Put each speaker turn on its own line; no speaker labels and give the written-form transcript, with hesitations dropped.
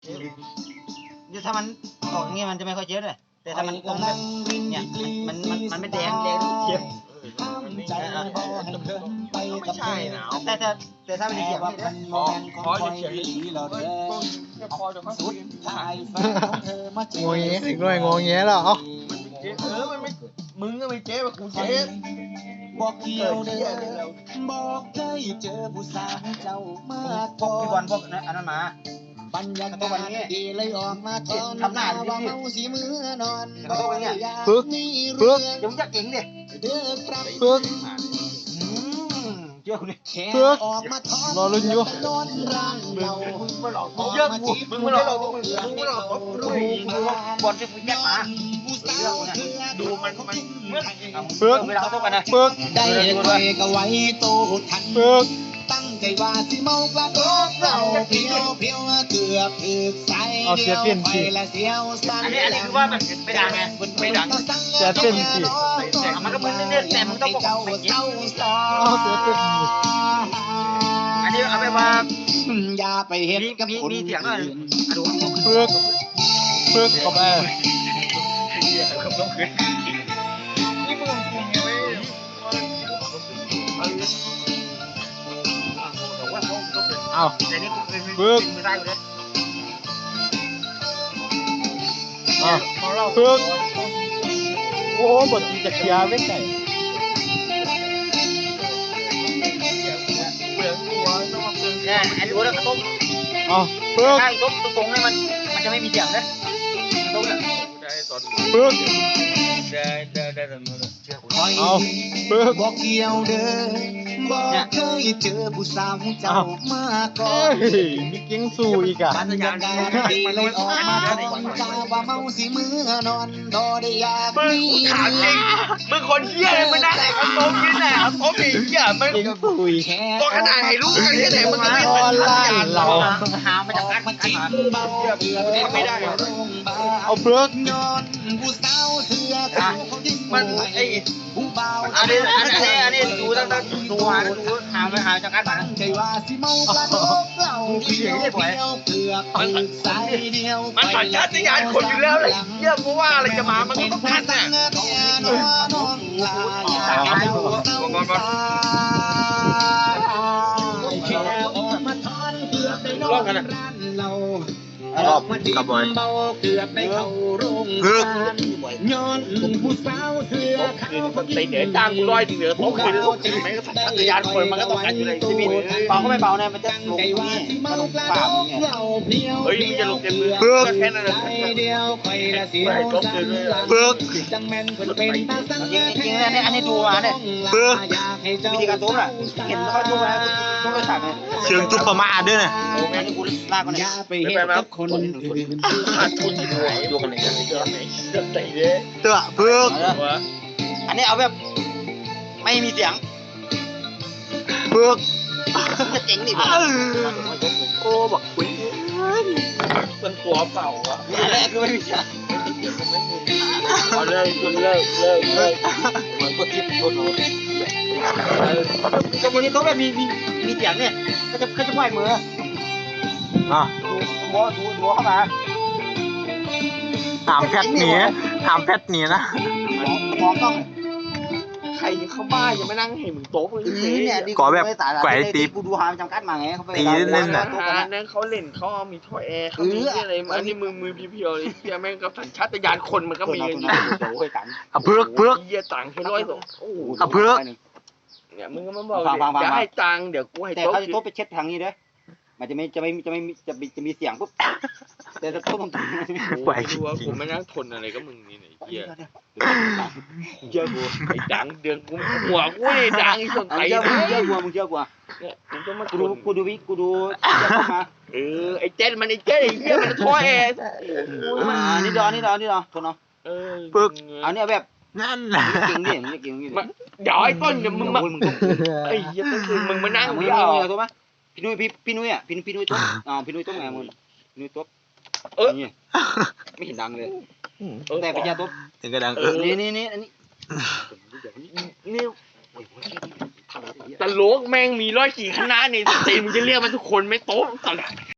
เดี๋ยวถ้ามันออกอย่างเงี้ยมันจะไม่ค่อยเจ็บเลยแต่ถ้ามันตรงแบบเนี่ยมันไม่แดงเจ็บ
ไม่ใช่นะ
แต่ถ้ามันเจ็บนี่นะ
ขอจะเขียนจะพอจะสุด
งงเงี้ยอีกหน่อยงงเงี้ยแล้ว
มันไม่มึงก็ไม่เจ๊กูเจ๊
บอกเกี่ยวเด้อบอกเคยเจอผู้สาวเจ้ามา
พวกพี่บอลพวกอันนั้นมา
บรรยากาศดีเลยออกมาตอน
ทำหน้าว่าเมา
สีมือนอน
ฝึก
เดี๋ยวมึงจะเก่งดิ
ฝึก
เจ้าเนี่ย
ฝึกรอลุ้นอยู่
มึงมาหลอกเยอะมึงมาหลอกด้วยบอลที่มึงแยกมา
ดูมัน
ฝึก
เวลาเขาต้องกันนะ
ฝึก
ได้เคยก็ไว้โตทัน
ฝึก
ตั้งใจว่าสิเมากระโดดเราเพียวเกือบถึกใส่เดียวไปละเสียวสั้น
อันนี้คือว่ามันไม่ดังไงไม่ดัง
จะเป็นสิ
มันก็มึงเล่นแต่มึงต้องบอกไม่เจ็บอันนี้เอาไปว่า
อย่าไปเห็นกับคน
มีเสียงด้วยดู
ฝึกเข้าไป
นี่มึงจริงไหม
เอา
แต่นี่กูเป็นมือได้อยู่เลย
ฝึกโอ้บทจะเคลียร์ไม่ใช่
เนี่ยไอ้ดูแล้วต้ม
เอาฝึก
ใช่ต้มตรงๆเนี่ยมันจะไม่มีเสียงเลยต้มเนี่ย
ได้ตอน
ฝึก
ได้ตอนนู้น
เอาฝึก
บอกเกี่ยวเด้อบอกเคยเจอผู้สาวเจ้ามาก่อน
เฮ้ยมีเก่งสู้อีกอ่ะ
บรรยากาศดีเลยออกมาตอนกาว่าเมาสิมือนอนดอได้อยาก
มึง
มี
ถามจริงมึงคนเหี้ยเลยมึงนั่งไหนกับโต๊ะกินไหนครับโต๊ะมีเหี้ยมัน
เก่งสู้อีก
แค่
ตัวขนาดให้รู้กันแค่ไหนมึงก็ไม่
ออนไลน์เรา
หามาจากการ
มาจิ้มเบาเบื่อไม่ได้โรงพยาบาล
เอาฝึก
ย้อนผู้สาวเสื้อขาวเขาดิ้น
มันไอ้
ผู้เบา
อันนี้ดูตั้งดูหาจากการบ้าน
ใจว่าสิเมากระโดดเราเพียวเกือบใส่เดียว
มันสัญชาตญาณคนอยู่แล้วเลยเหี้ยเพราะว่าอะไรจะมามันก็ต้องทันน่ะ
รอบกันนะรอบกับบอยเกือบได้เข้าโรงพยาบาลย้อนผู้สาวเสื้อขาว
มันตีเหนือจ้างกูร้อยเหนือโต๊ะคืนต้องจริงไหมก็สัญชาตญาณคนมันก็ต้องการอยู่ในชีวิต
เบาก็ไม่เบาเนี่ยมันจะลงนี่มันลงฝ่ามึงไง
เฮ้ยมึงจะลงเต็มมือแค่นั้นแหละ
เดียวไปละเสียวสัน
ฝึก
จังแม่นเป็นตาสัง
จริงๆอันนี้ดูมาเนี่ย
ฝึก
วิธีการตุ้มอ่ะเห็นเขาตุ้มแล้วตุ้มเลยสั่งเลย
เชิงจุกประมาทด้วยนะ
โอ้แม่งกูลากมัน
อ
เนี่ย
ย่าไปเห็นกับคนอื่น
ขาดทุนที่ดูกันเลยกันเกินไหนเกินไหนเด้
เตะฝึก
วะ
อันนี้เอาแบบไม่มีเสียง
ฝึก
จะเจ๋งดิ
โอ้บอกคุย
มันตัวเปล่าวะ
อันแรกคือไม่มีเสียง
เอาเลิก
มันกดทิปกดโน้ตก็วันนี้ตุ้มแบบมีเสียงเนี่ยเขาจะไหวมือ
อ่ะ
ดูเข้ามา
ถามแพทหนีนะ
มองต้อง
ใครเข้าบ้านยังไม่นั่งเห็นมึงโต๊ะเลย
เนี่ยกูดูหาจำกัดมาไงเขาไป
นั่นเขาเล่นเขามีท่อแอร์เขามีอะไรอันนี้มือเพียวๆเลยเพียแม่งกับสัญชาตญาณคนมันก็มีกันอยู่
เอาฝึก
เยี่ยตังค์ให้ร้อยสองโอ้
เอาฝึก
เนี่ยมึงก็มาบอกจะให้ตังค์เดี๋ยวกูให้
แต่
โต๊ะ
เขาจะโต๊ะไปเช็ดทางนี้ด้วยมันจะมีเสียงปุ๊บแต่จะโต๊ะตรงนี้
ไหว
ดูว่าผมไม่นั่งทนอะไรก็มึงนี่ไหนเยี่ยเยี่ยกูไอ้ดังเดือนกูหัวกูไอ้ดังไอ้สนใจ
เชื่อกูมึงเชื่อกู
เนี่ยมึงก็มา
กูดูมา
ไอ้เจ๊มันไอ้เจ๊ไอ้เยี่ยมันท่อแอร์
นี่ดอทนเนาะ
ฝึก
เอาเนี่ยแบบ
นั่นแหละ
เก่งดิเก่งดิ
เดี๋ยวไอ้ต้นเดี๋ยวมึงมาไอ้เยี่ยต้นคือมึงมานั่ง
มึง
เดียว
เอาตัวมั้ยพี่นุ้ยอ่ะพี่นุ้ยตุ๊บพี่นุ้ยตุ๊บไงมึงพี่นุ้ยตุ๊บนี่ไม่เห็นดังเลยแต่ไปยาตุ๊บ
ถึงกระดัง
นี่อันนี้
นี่ตลกแม่งมีร้อยกี่คณะในสตรีมมึงจะเรียกมันทุกคนไม่โต๊ะตลก